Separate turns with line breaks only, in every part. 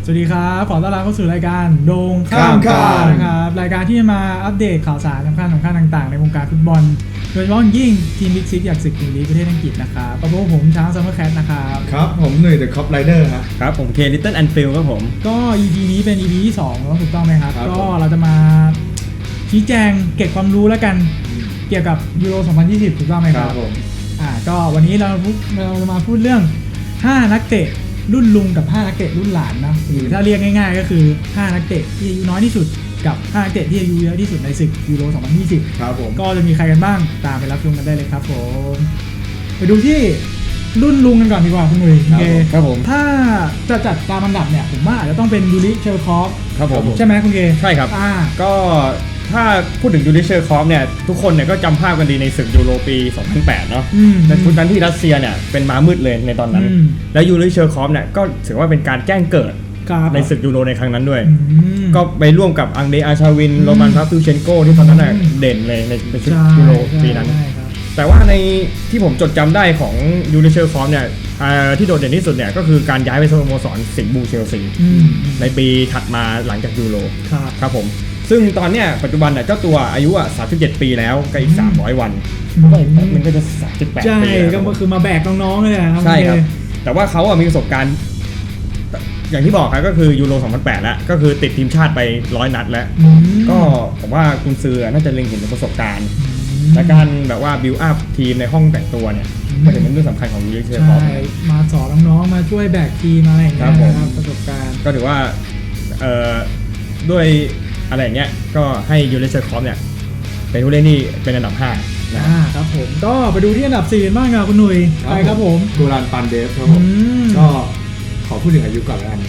สวัสดีครับขอต้อนรับเข้าสู่รายการโดงข้ามข่าวนะครับรายการที่จะมาอัปเดตข่าวสารสำคัญต่างๆในวงการฟุตบอลโดยเฉพาะยิ่งทีมบิ๊กซิกอยากศึกพรีเมียร์ลีกประเทศอังกฤษนะครับกับผมช้างซัมเมอร์แคทนะครับ
ครับผมหนุ่ยเดอะคอปไรเดอร์
ครับผมเคลิตเติ้ลแอนฟิลครับผม
ก็ EP นี้เป็น EP ที่2แล้วถูกต้องไหมครับก็เราจะมาชี้แจงเก็บความรู้แล้วกันเกี่ยวกับยูโร 2020 ถูกต้องไหมครับผมก็วันนี้เราจะมาพูดเรื่อง5นักเตะรุ่นลุงกับ5นักเตะรุ่นหลานนะหรือถ้าเรียกง่ายๆก็คือ5นักเตะที่อายุน้อยที่สุดกับ5นักเตะที่อายุเยอะที่สุดในศึกยูโร 2020
ครับผม
ก็จะมีใครกันบ้างตามไปรับชมกันได้เลยครับผมไปดูที่รุ่นลุงกันก่อนดีกว่าคุณหนุ่ย
ครับผม
ถ้าจะจัดตามอันดับเนี่ยผมว่าอาจจะต้องเป็นยูริเชลคอฟ
ครับผม
ใช่ไหมคุณเก
ใช่ครับก็ถ้าพูดถึงยูริเชลคอฟเนี่ยทุกคนเนี่ยก็จำภาพกันดีในศึกยูโรปี 2008 เนาะในชุดนั้นที่รัสเซียเนี่ยเป็นม้ามืดเลยในตอนนั้นและยูริเชลคอฟเนี่ยก็ถือว่าเป็นการแจ้งเกิดในศึกยูโรในครั้งนั้นด้วยก็ไปร่วมกับอังเดรอาชาวินโรมันพาฟิวเชนโกที่ตอนนั้นเด่นเลยในชุดยูโรปีนั้นแต่ว่าในที่ผมจดจำได้ของยูริเชลคอฟเนี่ยที่โดดเด่นที่สุดเนี่ยก็คือการย้ายไปสโมสรสิงห์บูเชลซีในปีถัดมาหลังจากยูโรครับผมซึ่งตอนเนี้ยปัจจุบันเนี่ยเจ้าตัวอายุ37 ปีแล้วก็อีก300 วันมันก็จะ38 ปี
ใช่ก็คือมาแบกน้องๆเลยครับ
ใช่ครับแต่ว่าเขามีประสบการณ์อย่างที่บอกครับก็คือยูโร 2008 แล้วก็คือติดทีมชาติไป100 นัดแล้วก็ผมว่ากุนซือน่าจะเล็งเห็นประสบการณ์และการแบบว่าบิวอัพทีมในห้องแต่งตัวเนี่ยก็จะเป็นเรื่องสำคัญของยูริเชลคอฟ
มาสอนน้องๆมาช่วยแบกทีมอะไรอย่างเงี้ยครับประสบการณ์
ก็ถือว่าด้วยอะไรอย่างเงี้ยก็ให้ยูริเชลคอฟเนี่ยเป็นผู้เล่นที่เป็นอันดับ5
นะครับผมก็ไปดูที่อันดับ4บ้างครับคุณหนุ่ยไปครับผม
กูรันปันเดฟครับผมก็ขอพูดถึงอายุก่อนแล้วกัน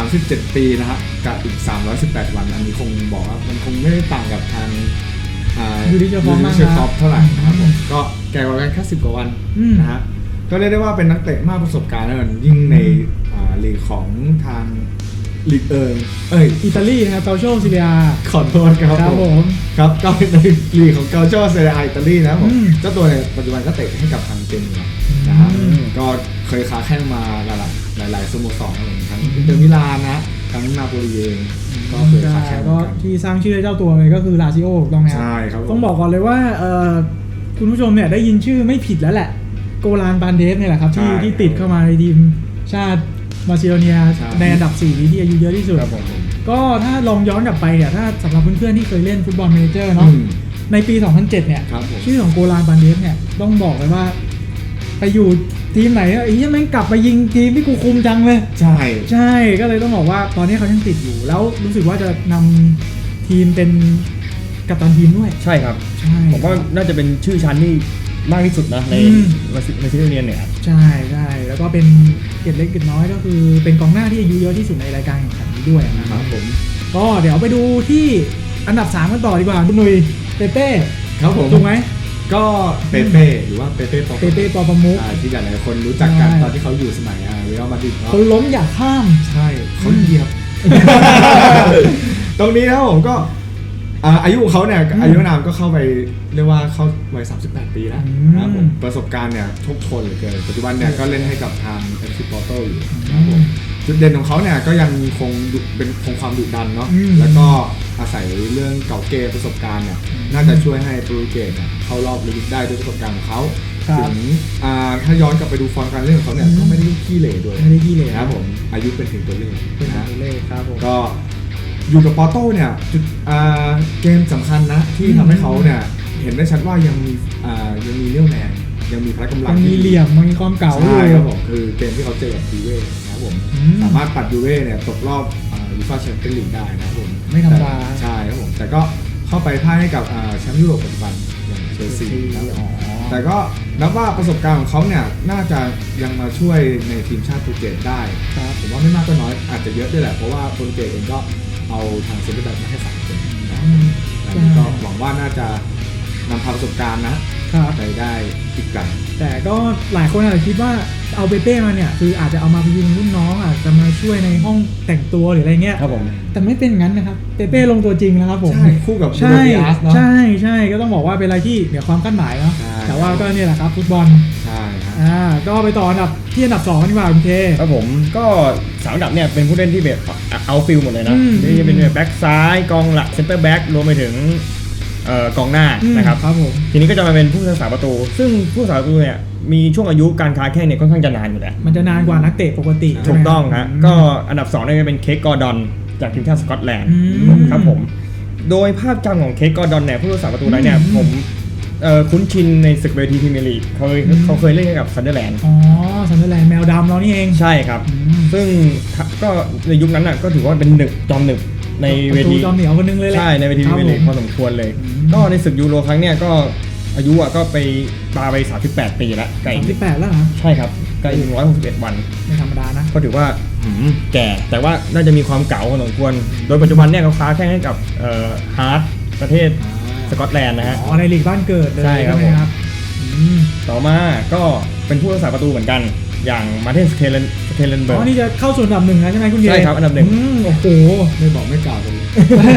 37 ปีนะฮะกับอีก318 วันอันนี้คงบอกว่ามันคงไม่ได้ต่างกับทาง
ยูริเชล
คอฟเท่าไหร่นะครับผมก็แก่กว่ากันแค่10 กว่าวันนะฮะก็เรียกได้ว่าเป็นนักเตะมากประสบการณ์แล้วยิ่งในลีกของทางลีก
อิตาลีนะครับเกาโชซีเรีย
ขอโทษครับผมครับก็เป็นลีกของเกาโชซีเรียอิตาลีนะผมเจ้าตัวในปัจจุบันก็เตะให้กับทางเจนีนะครับก็เคยค้าแข้งมาหลายสโมสรทั้งอินเตอร์มิลานนะทั้งนาโปลีเองก็เคยค้าแข้ง
ก็ที่สร้างชื่อเจ้าตัวเลยก็คือลาซิโอต้องไหม
ใช่ครับ
ต้องบอกก่อนเลยว่าคุณผู้ชมเนี่ยได้ยินชื่อไม่ผิดแล้วแหละโกลานปานเดฟเนี่ยแหละครับที่ติดเข้ามาในทีมชาติมาซิโดเนียในอันดับ4ที่อายุเยอะที่สุดก็ถ้าลองย้อนกลับไปเนี่ยถ้าสำหรับเพื่อนๆที่เคยเล่นฟุตบอลเมเจอร์เนาะในปี 2007 เนี่ยชื่อของโกลานปานเดฟเนี่ยต้องบอกเลยว่าไปอยู่ทีมไหนไอ้ยังแม่งกลับมายิงทีมที่กูคุมจังเลยใช่ก็เลยต้องบอกว่าตอนนี้เขายังติดอยู่แล้วรู้สึกว่าจะนำทีมเป็นกัปตันทีมด้วย
ใช่ครับผมว่าน่าจะเป็นชื่อชั้นที่มากที่สุดนะในซิโดเนียเนี่ย
ใช่แล้วก็เป็นเกียรติเล็กเกียรติน้อยก็คือเป็นกองหน้าที่อายุเยอะที่สุดในรายการแข่งขันนี้ด้วยนะครับผมก็เดี๋ยวไปดูที่อันดับ3กันต่อดีกว่าคุณหนุ่ยเปเป้
ครับผม
ถูกไหม
ก็เปเป้หรือว่าเปเป้
ปอประมุข
ที่หลายคนรู้จักกันตอนที่เขาอยู่สมัยเรอัลมาดริด
เขาล้มอย่าข้าม
ใช่เขาเหยียบตรงนี้นะผมก็อายุของเขาเนี่ยอายุนามก็เข้าไปเรียกว่าเข้าวัย38 ปีแล้วนะครับผมประสบการณ์เนี่ยโชคโชนเหลือเกินปัจจุบันเนี่ยก็เล่นให้กับทาง FC Porto อยู่นะครับผมจุดเด่นของเขาเนี่ยก็ยังคงความดุดันเนาะแล้วก็อาศัยเรื่องเก่าเกมประสบการณ์เนี่ยน่าจะช่วยให้โปรตุเกสเนี่ยเข้ารอบลึกได้ด้วยประสบการณ์ของเขาถึงถ้าย้อนกลับไปดูฟอร์มการเล่นของเขาเนี่ยก็ไม่ได้ขี้เหร่ด้วยนะครับผมอายุเป็นถึงตัวเลข
นะครับผม
ก็อยู่กับปอร์โต้เนี่ยจุดเกมสำคัญนะที่ทำให้เขาเนี่ยเห็นได้ชัดว่ายังมีเรี่ยวแรงยังมีพละกำลัง
มีเหลี่ยมมีความเก่า
ใช่ครับผมคือเกมที่เขาเจอกับยูเว่นะครับผมสามารถปัดยูเว่เนี่ยตกรอบยูฟ่าแชมเปี้ยนลีกได้นะครับผม
ไม่ธรรมดา
ใช่ครับผมแต่ก็เข้าไปพ่ายให้กับแชมป์ยุโรปปัจจุบันอย่างเชลซีแต่ก็นับว่าประสบการณ์ของเขาเนี่ยน่าจะยังมาช่วยในทีมชาติโปรตุเกสได้ผมว่าไม่มากก็น้อยอาจจะเยอะด้วยแหละเพราะว่าโปรตุเกสเองก็เอาทางเซนเตอร์แบ็คมาให้3 คนนะก็หวังว่าน่าจะนำพาประสบการณ์นะไปได้อีกไกล
แต่ก็หลายคนอาจจะคิดว่าเอาเปเป้มาเนี่ยคืออาจจะเอามาพยุงรุ่นน้องอาจจะมาช่วยในห้องแต่งตัวหรืออะไรเงี้ย
ครับผม
แต่ไม่เป็นงั้นนะครับเปเป้ลงตัวจริงนะครับผม
ใช่คู่กับ
ใช่ก็ต้องบอกว่าเป็นอะไรที่เหนือความคาดหมายเนาะแต่ว่าก็เนี่ยแหละครับฟุตบอล
ใช่ฮะ
ก็ไปต่ออันดับที่อันดับ2กันดีกว่าคุณเค
ครับผมก็3อันดับเนี่ยเป็นผู้เล่นที่แบบเอาฟิลหมดเลยนะ ที่จะเป็นแบ็กซ้ายกองหลักเซนเตอร์แบ็กรวมไปถึงกองหน้านะครับ
ครับผม
ทีนี้ก็จะมาเป็นผู้รักษาประตู ซึ่งผู้รักษาประตูเนี่ยมีช่วงอายุการค้าแข้งเนี่ยค่อนข้างจะนานอยู่แล้ว
มันจะนานกว่านักเตะปกติ
ถูกต้องครับก็อันดับ2เนี่ยเป็นเค้กกอร์ดอนจากทีมชาติสกอตแลนด์ครับผมโดยภาพจำของเค้กกอร์ดอนเนี่ยผู้รักษาประตูนั้นเนี่ยผมคุ้นชินในศึกเวทีพรีเมียร์ลีกเขาเคยเล่นกับซันเดอร์แลนด์
อ๋อซันเดอร์แลนด์แมวดำเรานี่เอง
ใช่ครับซึ่งก็ในยุคนั้นน่ะก็ถือว่าเป็นจอมหนึบในเวที
จอมเหนียวคนนึงเลยแหละ
ใช่ในเวทีพรีเมียร์ลีกพอสมควรเลยก็ในศึกยูโรครั้งเนี่ยก็อายุก็ไปปาไป38 ปีแล้วไกล
38แล้วเหรอ
ใช่ครับไกล161 วัน
ไม่ธรรมดานะ
ก็ถือว่าแก่แต่ว่าน่าจะมีความเก่าพอสมควรโดยปัจจุบันเนี่ยเขาค้าแข่งให้กับฮาร์ดประเทศสกอตแลนด์นะฮะ
อ๋อในลีกบ้านเกิดเลย
ใช่ครับ
ไหมครับ
ต่อมาก็เป็นผู้รักษาประตูเหมือนกันอย่างมาร์เทนสเทเลนเบิ
อ๋
ร์
อนี่จะเข้าสู่อันดับ1แล้วใช่ไหมคุณเย
ใช่ครับอันดับหนึ่ง
โอ้โห
ไม่บอกไม่กล่าวกันเลย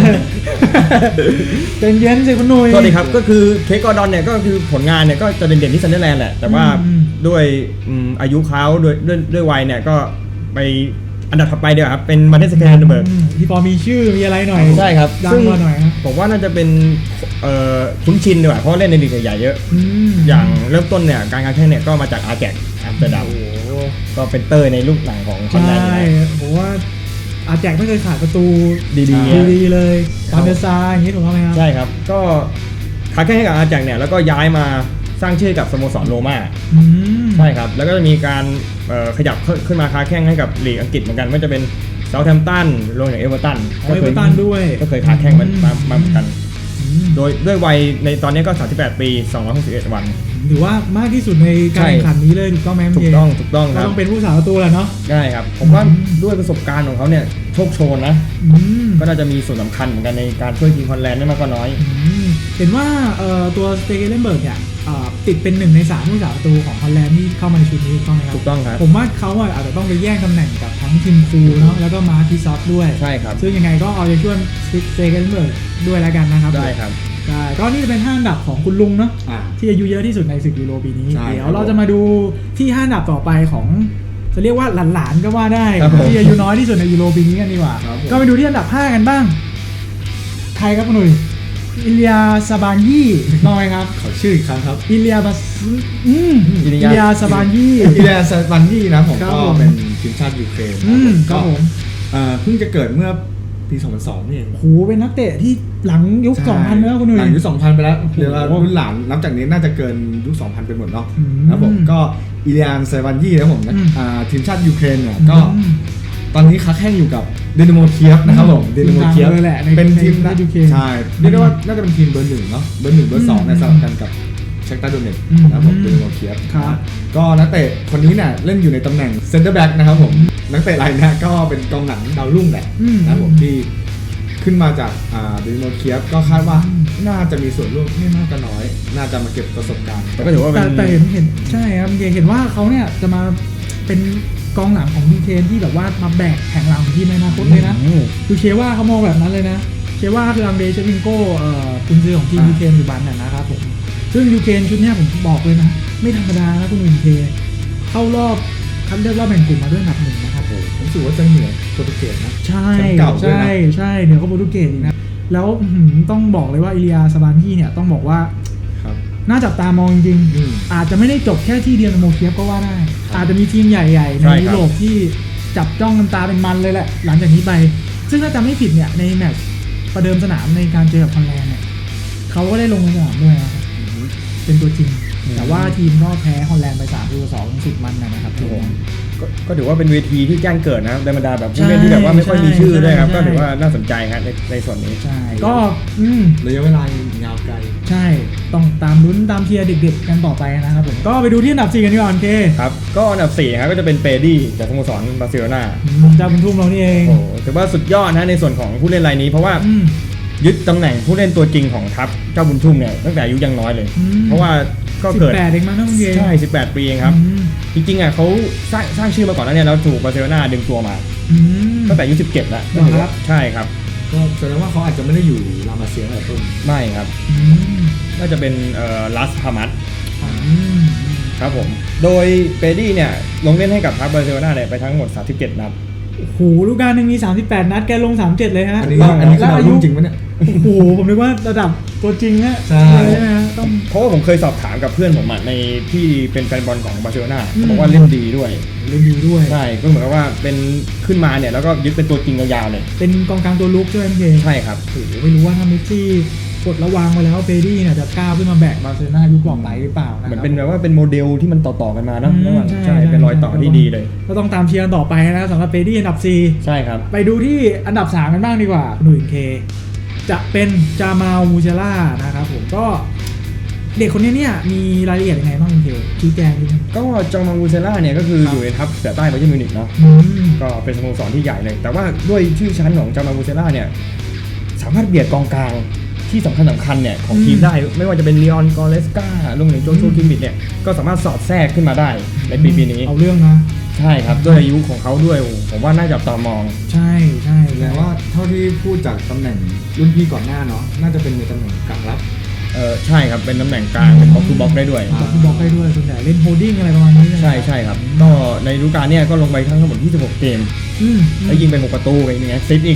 เป็นเย็นสิคุณหนุ่ย
สวัสดีครับก็คือเค้กกอร์ดอนเนี่ยก็คือผลงานเนี่ยก็จะเด่นๆที่ซันเดอร์แลนด์แหละแต่ว่าด้วยอายุเขาด้วยวัยเนี่ยก็ไปอันดับถัดไปเดียวครับเป็นมาร์เทนสเทเลนเบิร์
ที่พอมีชื่อมีอะไรหน่อย
ใช่ครับ
ดัง
ซึ่ง
มาหน่อยครับ
ผมว่าน่าจะเป็นคุ้นชินดีกว่าเพราะเล่นในลีกใหญ่ๆเยอะ อย่างเริ่มต้นเนี่ยการแข่งเนี่ยก็มาจากอาร์แจกอัมสเตอร์ดัมก็เป็นเตอร์ในลูกหลังของคอน
ใช่
แลนด์
ผมว่าอาแจกไม่เคยขาดประตู
ดีๆ
เลยตามเดซาอย่างนี้ถูกต้องไหมครับ
ใช่ครับก็ค้าแข่งให้กับอาร์แจกเนี่ยแล้วก็ย้ายมาสร้างชื่อกับสโมสรโรม่าใช่ครับแล้วก็จะมีการขยับขึ้นมาค้าแข่งให้กับลีกอังกฤษเหมือนกันไม่ว่าจะเป็นเซาท์แฮมป์ตันรวมถึงเอเวอร์ตัน
เอเวอร์ตันด้วย
ก็เคยค้าแข่งมาเหมือนกันโดยด้วยวัยในตอนนี้ก็38 ปี 261 วัน
ถือว่ามากที่สุดในการแข่งขันนี้เลยถูกต้องไหม
ถูกต้องค
ก็
รับ
ต้องเป็นผู้สาประตูแหละเนาะ
ได้ครับผมว่าด้วยประสบการณ์ของเขาเนี่ยโชคโชนนะก็น่าจะมีส่วนสำคัญเหมือนกันในการช่วยทีมฮอลแลนด์ไม่มากก็น้อย
เห็นว่าตัวสเตเกเลนเบิร์กเนี่ยติดเป็น1 ใน 3ผู้สาประตูของฮอลแลนด์ที่เข้ามาในชุดนี้ถูกต้องไหมครับ
ถูกต้องครับ
ผมว่าเขาอาจจะต้องไปแย่งตำแหน่งกับทั้งทีมฟูเนาะแล้วก็มาร์ทิซอฟด้วย
ใช่ครับ
ซึ่งยังไงก็เอาใจช่วยสเตเกเลนเบิร์กด้วยแล้วกันนะครับ
ได้ครับ
ใช่ก็นี่จะเป็น5 อันดับของคุณลุงเนาะ ที่อายุเยอะที่สุดในศึกยูโรปีนี้
ใช่
เดี๋ยว
ครับ
เราจะมาดูที่5 อันดับต่อไปของจะเรียกว่าหลานๆก็ว่าได้
ครับผม
ที่อายุน้อยที่สุดในยูโรปีนี้กันดีกว่า
ครับผม
ก็ไปดูที่อันดับ 5 กันบ้างใครครับคุณหนุ่ยอิเลียซาบานยี่น้อยครับ
ขอชื่ออีกครั้งครับ
อิเลียบัสอิเลียซาบานยี่
อิเลียสบันยี่นะผม
ครับ
ก็
ผม
เป็นทีมชาติยูเครน
ครับผม
เพิ่งจะเกิดเมื่อปี 2002นี่เอง
โหเป็นนักเตะที่หลังยุค 2000แล้วคุณหนุ่ย
หลังยุค 2000 ไปแล้วเดี๋ยวเรารุ่นหลานนับจากนี้น่าจะเกินยุค 2000 ไปหมดเนาะครับผมก็อิเลียนเซวันยี่นะผมทีมชาติยูเครนเนี่ยก็ตอนนี้ค้าแข่งอยู่กับเดนโมเคียฟนะครับผมเดนโมเคียฟ
เลยแหละใน
เป็นทีม
ในยูเครน
ใช่เรียกได้ว่าน่าจะเป็นทีมเบอร์ 1เนาะเบอร์ 1 เบอร์ 2เนี่ยสลับกันกับเชคตาโดเนตนะครับผมเดนโมเคียฟ
ครับ
ก็นักเตะคนนี้เนี่ยเล่นอยู่ในตำแหน่งเซนเตอร์แบ็กนะครับผมนักเตะรายนี้ก็เป็นกองหลังดาวรุ่งแหละนะครับผมที่ขึ้นมาจากเดนโมเคียฟก็คาดว่าน่าจะมีส่วนร่วมไม่มากก็น้อย น่าจะมาเก็บประสบการณ์
แต่ก็ถือว่าเป็น
แต่เห็นใช่ครับเห็นว่าเขาเนี่ยจะมาเป็นกองหลังของยูเครนที่แบบว่ามาแบกแข่งหลังของทีมในอนาคตเลยนะคือเชว่าเขามองแบบนั้นเลยนะเชว่าคืออังเดรเชวิงโก้กุนซือของทีมยูเครนปัจจุบันน่ะนะครับผมซึ่งยูเครนชุดเนี้ยผมบอกเลยนะไม่ธรรมดานะคุณยูเครนเข้ารอบคัดเลือกรอบแบ่งกลุ่มมาด้วยอันดับ 1นะครับผม
ผมรู้สึกว่าจะเหนือโปรตุเกสนะ
ใช่
แชมป์เก่าด้วยนะ
ใช่เหนือกว่าโปรตุเกสอีกนะแล้วต้องบอกเลยว่าอิเลียซาบานที่เนี่ยต้องบอกว่า
ครับ
น่าจับตามองจริง
อืม
อาจจะไม่ได้จบแค่ที่เดียวในโมเคียฟก็ว่าได้ อาจจะมีทีมใหญ่ๆ ใน
ใช่ครับ
ยุโรปที่จับจ้องกันตาเป็นมันเลยแหละ หลังจากนี้ไป ซึ่งถ้าจำไม่ผิดเนี่ยในแมตช์ประเดิมสนามในการเจอกับฮอลแลนด์เนี่ยเขาก็ได้ลงในสนามด้วยนะครับเป็นตัวจริง แต่ว่าทีมก็แพ้ฮอลแลนด์ไป3-2สุดมันนะครับทุกคน
ก็ถือว่าเป็นเวทีที่แจ้งเกิดนะครับในบรรดาแบบผู้เล่นที่แบบว่าไม่ค่อยมีชื่อด้วยครับก็ถือว่าน่าสนใจครับในส่วนนี้
ใช่ก็
ระยะเวลายังยาวไกล
ใช่ต้องตามลุ้นตามเชียร์เด็กๆกันต่อไปนะครับผมก็ไปดูที่อันดับ 4 กันดีกว่าโอเค
ครับก็อันดับ4ครับก็จะเป็นเปดี้จากสโมสรบาร์เซโลนา
เจ้าบุญทุ่มเรานี่เอง
โอ้โหถือว่าสุดยอดนะในส่วนของผู้เล่นรายนี้เพราะว่ายึดตำแหน่งผู้เล่นตัวจริงของทัพเจ้าบุญทุ่มเนี่ยตั้งแต่อายุยังน้อยเลย เพราะว่าก็เกิด
18เองมั้งนะคุณเย
ใช่18 ปีเองครับจริงๆอ่ะเขาสร้างชื่อมาก่อนแล้วเนี่ยแล้วถูกบาร์เซโลนาดึงตัวมาตั้งแต่อายุ17แล้ว
ครับ
ใช่ครับ
ก็แสดงว่าเขาอาจจะไม่ได้อยู่ลามาเซียตั้งแต่ต้น
ไม่ครับน่าจะเป็นลัสพามัสครับผมโดยเปดี้เนี่ยลงเล่นให้กับทัพบาร์เซโลนาเนี่ยไปทั้งหมด37นัด
โอ้โหลูกการหนึ่งมี38นัดแกลง37เลยฮะ
อันนี้คือดาวรุ่งจริงปะเนี่ย
โอ้โหผมนึกว่าระดับตัวจริงฮะ
ใช่
ไหมฮะต้อง
เพราะว่าผมเคยสอบถามกับเพื่อนผมในที่เป็นแฟนบอลของบาร์เซโลนาบอกว่าเล่นดีด้วยใช่ก็เหมือนกับว่าเป็นขึ้นมาเนี่ยแล้วก็ยึดเป็นตัวจริงยาวๆเลย
เป็นกองกลางตัวลุกใช่ไหมพี่
ใช่ครับ
โอ้โหไม่รู้ว่าถ้าเมสซี่กดระวางไปแล้วเปดี้เนี่ยจะก้าวขึ้นมาแบกบาร์เซโลนายุคต่อไปหรือเปล่านะ
เหมือนเป็นแบบว่าเป็นโมเดลที่มันต่อๆกันมาเนาะใช่เป็นรอยต่อที่ดีเลย
ก็ต้องตามเชียร์ต่อไปนะสำหรับเปดี้อันดับ4
ใช่ครับ
ไปดูที่อันดับ3กันบ้างดีกว่าหนุ่ยเคจะเป็นจามาล มูเชล่านะครับผมก็เด็กคนนี้เนี่ยมีรายละเอียดยังไงบ้างคุณเคชี้แจงนิดนึง
ก็จามาล มูเชล่าเนี่ยก็คืออยู่ในทัพเสือใต้บาเยิร์นมิวนิกเนาะก็เป็นสโมสรที่ใหญ่เลยแต่ว่าด้วยชื่อชั้นของจามาล มูเชล่าเนี่ยสามารถเบียดกองกลางที่สำคัญเนี่ยของทีมได้ไม่ว่าจะเป็นลีออนกอเลสการวมถึงโจชูคิมมิดเนี่ยก็สามารถสอดแทรกขึ้นมาได้ในปีนี้
เอาเรื่องนะ
ใช่ครับด้วยอายุของเขาด้วยผมว่าน่าจับตามอง
ใช่
แต่ว่าเท่าที่พูดจากตำแหน่งรุ่นพี่ก่อนหน้าเนาะน่าจะเป็นในตำแหน่งกลางรับ
ใช่ครับเป็นตำแหน่งกลางเป็นบล็อกทูบล็อกได้ด้วย
บล็อกทูบล็อกได้ด้วยส่วนใหญ่เล่นโฮลดิ้งอะไรประมาณนี้
ใช่ครับก็ในฤดูกาลเนี่ยก็ลงไปทั้งหมด26เกมแล้วยิงไป6ประตูไปอย่างเงี้ยซิปอีก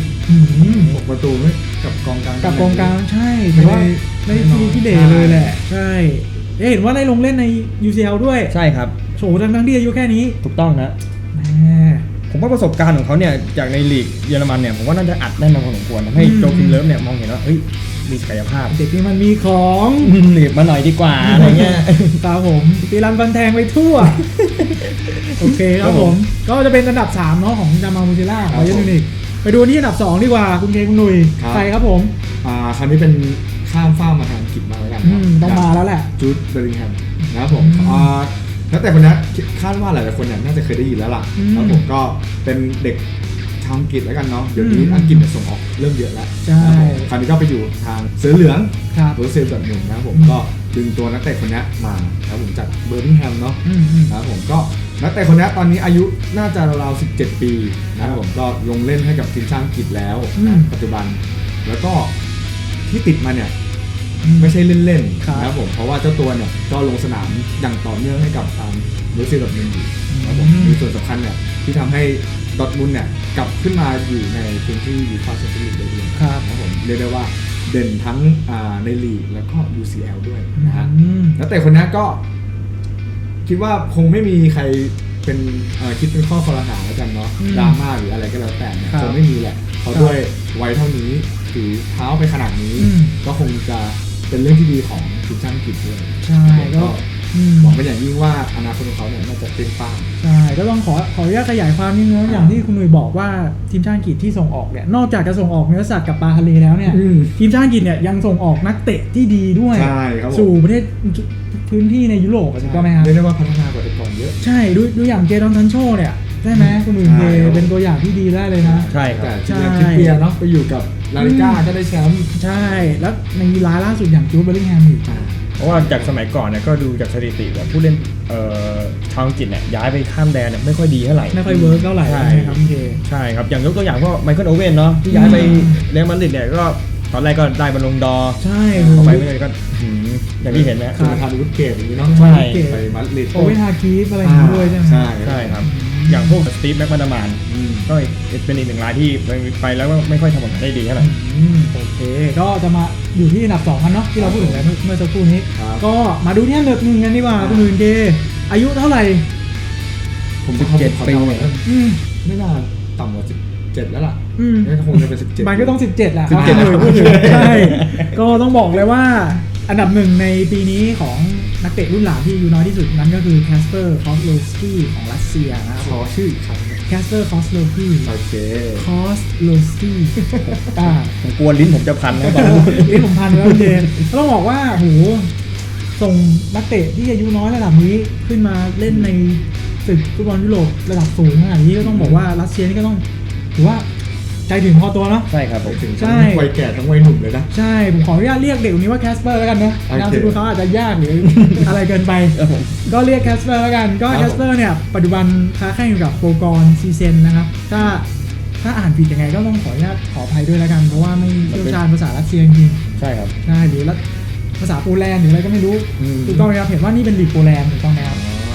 6ประตูกับกองก
ลางใช่แต่ว่าไม่ที่เดเลยแหละใช่เห็นว่าได้ลงเล่นใน UCL ด้วย
ใช่ครับ
โฉทั้งที่อายุแค่นี้
ถูกต้องนะผมว่าประสบการณ์ของเขาเนี่ยจากในลีกเยอรมันเนี่ยผมว่าน่าจะอัดแน่นมาพอสมควรทำให้โจคิมเลิฟเนี่ยมองเห็นว่าเฮ้ยมีศักยภาพ
เด็กนี่มันมีของ
หนีบมาหน่อยดีกว่าอะไรเงี้ย
ตาผมตีรันฟันแทงไปทั่วโอเคครับผมก็จะเป็นอันดับ3เนาะของจามาล มูเชล่าบาเยิร์นมิวนิกไปดูที่อันดับ2ดีกว่าคุณเคคุณหนุ่ยใครครับผม
คราวนี้เป็นข้ามฟ้ามาทางอังกฤษมาแล้วกัน
ต้องมาแล้วแหละ
จูดเบลลิงแฮมนะครับผมแล้วแต่คนนี้คาดว่าหลายๆคนเนี่ยน่าจะเคยได้ยินแล้วล่ะครับผมก็เป็นเด็กชาวอังกฤษแล้วกันเนาะเดี๋ยวนี้อังกฤษส่งออกเริ่มเยอะแล้ว
ใช่
คราวนี้ก็ไปอยู่ทางเสือเหลืองโรเซลแบบหนึ่งนะครับผมก็ดึงตัวนักเตะคนนี้มาครับผมจากเบอร์มิงแฮมเนาะนะครับผมก็นักเตะคนนี้ตอนนี้อายุน่าจะราวๆ17ปีนะครับผมก็ลงเล่นให้กับทีมชาติอังกฤษแล้วปัจจุบันแล้วก็ที่ติดมาเนี่ยไม่ใช่เล่นๆนะครับผมเพราะว่าเจ้าตัวเนี่ยก็ลงสนามอย่างต่อเนื่องให้กับทางโรเซลแบบหนึ่งอยู่นะครับผมมีส่วนสำคัญเนี่ยที่ทำให้ดอร์ทมุนด์เนี่ยกลับขึ้นมาอยู่ในพื้นที่ยูฟ่าแชมเปี้ยนลีกได้ด้วยนะครับผมเรียกได้ว่าเด่นทั้งในลีกแล้วก็ UCL ด้วยนะฮะแล้วแต่คนนี้ก็คิดว่าคงไม่มีใครเป็นคิดเป็นข้อคอรหาแล้วกันเนาะดราม่าหรืออะไรก็แล้วแต่เนี่ยคงไม่มีแหละเพราะด้วยวัยเท่านี้ถือเท้าไปขนาดนี้ก็คงจะเป็นเรื่องที่ดีของทีมชาติอังกฤษด้วย
ใช่ก็
หวังเป็นอย่างยิ่งว่าอนาคตของเขาเนี่ยน่าจะเป็นป้า
ใช่ก็ต้องขออนุญาตขยายความนิดนึงอย่างที่คุณหนุ่ยบอกว่าทีมชาติอังกฤษที่ส่งออกเนี่ยนอกจากจะส่งออกเนื้อสัตว์กับปลาทะเลแล้วเนี่ยทีมชาติอังกฤษเนี่ยยังส่งออกนักเตะที่ดีด้วยสู่ประเทศพื้นที่ในยุโรปถูกต้องไหมครับ
เรียกได้ว่าพัฒนากว่าแต่ก่อนเยอะ
ใช่ดูอย่างเจดอนซันโชเนี่ยได้ไหมคุณหนุ่ยเป็นตัวอย่างที่ดีได้เลยนะ
ใช่ครับ
ใช่เปียเนาะไปอยู่กับลาลิก้าก็ได้แชมป์
ใช่แล้วในรายล่าสุดอย่างจูดเบลลิงแฮมอีก
เพราะว่าจากสมัยก่อนเนี่ยก็ดูจากสถิติว่าผู้เล่นชาวอังกฤษเนี่ยย้ายไปข้ามแดนเนี่ยไม่ค่อยดีเท่าไหร่
ไม่ค่อยเวิร์กเท่าไหร่
ใช่ครับใช่ครับอย่างยกตัวอย่างพวกไมเคิลโอเว่นเนาะที่ย้ายไปเรอัลมาดริดเนี่ยก็ตอนแรกก็ได้บอลลงดอ
ใช่
เข้าไปไม่เลยก็อย่างที่เห็นนะ
คือทำวุฒิเกตอย่างนี้เนาะ
ใช่
ไปมาดริด
โอเว่นฮาคีฟอะไรอย่างนี้ด้วยใช่ไหม
ใช่ครับอย่างพวกสตีฟแม็กมาดามานก็เป็นอีกหนึ่งรายที่ไปแล้วก็ไม่ค่อยทำผลได้ดีเท่าไหร่
โอเคก็จะมาอยู่ที่อันดับ2กันเนาะที่เราพูดถึงแล้วเมื่อสักครู่นี้ก็มาดูที่อันดับ1กันดีกว่าคุณอื่นเดอายุเท่าไหร่
ผม17 ปีไม่น่าต่ำกว่า17แล้วล่ะก็คงจะเป็น17
มันก็ต้อง17แหละใช่ก็ต้องบอกเลยว่าอันดับ1ในปีนี้ของนักเตะรุ่นหลานที่อายุน้อยที่สุดนั้นก็คือแคสเปอร์คอสโลสกี้ของรัสเซียนะครับ
ขอชื่ออีกครั้ง
แคสเปอร์คอสโลกี้
โอเค
คอสโลสกี้
ผมกลัวลิ้นผมจะพันนะตอน
ลิ้นผมพันแล้วเดนต้องบอกว่าโหส่งนักเตะที่อายุน้อยระดับนี้ขึ้นมาเล่นในศึกฟุตบอลยุโรประดับสูงขนาดนี้ก็ต้องบอกว่ารัสเซียนี่ก็ต้องถือว่าใจถึงพอตัวเนาะ
ใช่ครับผม
ใช่วัยแก่ทั้งวัยหนุ่มเลยนะ
ใช่ผมขออนุญาตเรียกเด็กคนนี้ว่าแคสเปอร์แล้วกันนะนามสกุลเขาอาจจะยากหรืออะไรเกินไปก็เรียกแคสเปอร์แล้วกันก็แคสเปอร์เนี่ยปัจจุบันค้าแข่งอยู่กับโปกรซีเซนนะครับถ้าอ่านผิดยังไงก็ต้องขออนุญาตขออภัยด้วยแล้วกันเพราะว่าไม่เชี่ยวชาญภาษารัสเซียจริง
ใช่ครับ
ใช่หรือภาษาโปแลนด์หรืออะไรก็ไม่รู้ถูกต้องไหมครับเห็นว่านี่เป็นลีกโปแลนด์ถูกต้องไหมครับ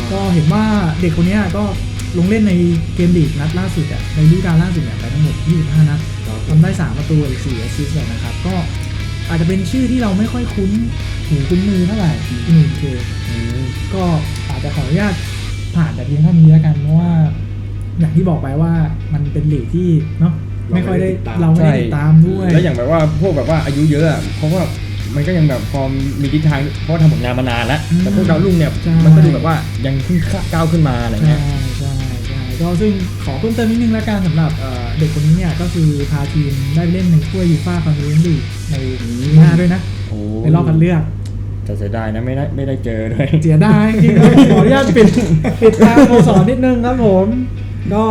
ก็เห็นว่าเด็กคนนี้ก็ลงเล่นในเกมลีกนัดล่าสุดในฤดูกาลล่าสุดเนี่ยไปทั้งหมด25นัดทำได้3ประตูอีก4แอสซิสต์นะครับก็อาจจะเป็นชื่อที่เราไม่ค่อยคุ้นหูคุ้นมือเท่าไหร่ที่1เคก็อาจจะขออนุญาตผ่านแต่เพียงเท่านี้แล้วกันเพราะว่าอย่างที่บอกไปว่ามันเป็นลีกที่เนาะไม่ค่อยได้เราไม่ได้ติดตามด้วย
แล้วอย่างแบบว่าพวกแบบว่าอายุเยอะอะเพราะว่ามันก็ยังแบบพอมีทิศทางเพราะทำผลงานมานานแล้วแต่พวกดาวรุ่งเนี่ยมันก็ดูแบบว่ายังเพิ่งก้าวขึ้นมาอะไรเงี้ย
ใช่ก็ซึ่งขอเพิ่มเติมนิดนึงแล้วกันสำหรับเด็กคนนี้เนี่ยก็คือพาทีมได้เล่นในถ้วยยูฟ่าคอนเฟอเรนซ์ลีกในปีหน้าด้วยนะในรอบคัดเลือก
แต่เสียดายนะไม่ได้เจอด้วย
เสียดายจริงๆขออนุญาตปิดทางโมสรนิดนึงครับผมก็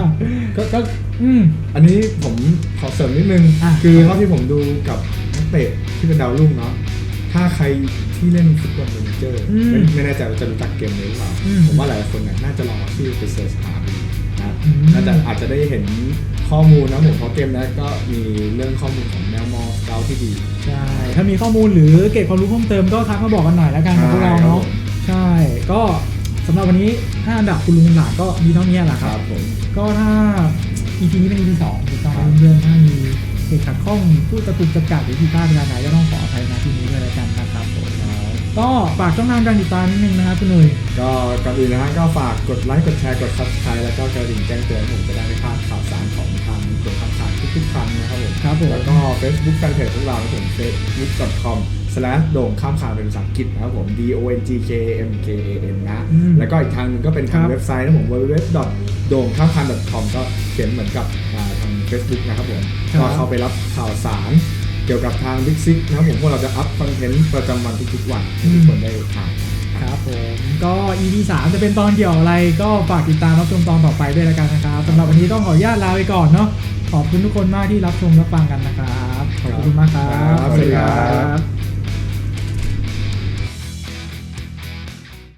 อันนี้ผมขอเสริมนิดนึงคือเท่าที่ผมดูกับนักเตะที่เป็นดาวรุ่งเนาะถ้าใครที่เล่นฟุตบอลเมเนเจอร์ไม่แน่ใจว่าจะรู้จักเกมนี้หรือเปล่าผมว่าหลายคนเนี่ยน่าจะลองเอาชื่อไปเสิร์ชหาดูนะน่าจะอาจจะได้เห็นข้อมูลนะผมเพราะเกมนั้นก็มีเรื่องข้อมูลของแนวมอสเกาที่ดี
ใช่ถ้ามีข้อมูลหรือเก็บความรู้เพิ่มเติมก็ทักมาบอกกันหน่อยแล้วกันกับพวกเราเนาะใช่ก็สำหรับวันนี้5อันดับคุณลุงหลานก็มีเท่านี้แหละครับ
ผม
ก็ถ้า EP นี้เป็น EP 2ถูกต้องเพื่อนๆถ้ามีเหตุขัดข้องพูดตะกุกตะกักหรือผิดพลาดเวลาไหนก็ต้องขออภัยนะที่นี้ด้วยแล้วกันนะครับผมก็ฝากช่องทางการติดตามนิดนึงนะครับคุณหนุ่ย
ก็ก่อนอื่นนะฮะก็ฝากกดไลค์กดแชร์กด Subscribe แล้วก็กระดิ่งแจ้งเตือนผมจะได้ไม่พลาดข่าวสารของทางตัวข่าวสารทุกๆครั้งนะครับผมแล้วก็ Facebook Fanpage ของเราผม facebook.com/ โด่งข้ามข่าวเป็นภาษาอังกฤษนะครับผม DONGKAMKAN นะแล้วก็อีกทางนึงก็เป็นทางเว็บไซต์นะผม www.dongkhamkhan.com ก็เขียนเหมือนกับทาง Facebook นะครับผมก็เข้าไปรับข่าวสารเกี่ยวกับทาง Big Six นะครับผมพวกเราจะอัพคอนเทนต์ประจำวันทุกๆวันให้ทุกคนได้ทาน
ครับผมก็ EP 3จะเป็นตอนเกี่ยวอะไรก็ฝากติดตามรับชมตอนต่อไปด้วยแล้วกันนะครับสำหรับวันนี้ต้องขออนุญาตลาไปก่อนเนาะขอบคุณทุกคนมากที่รับชมรับฟังกันนะครับขอบคุณมากครับ
สวัสดีครับ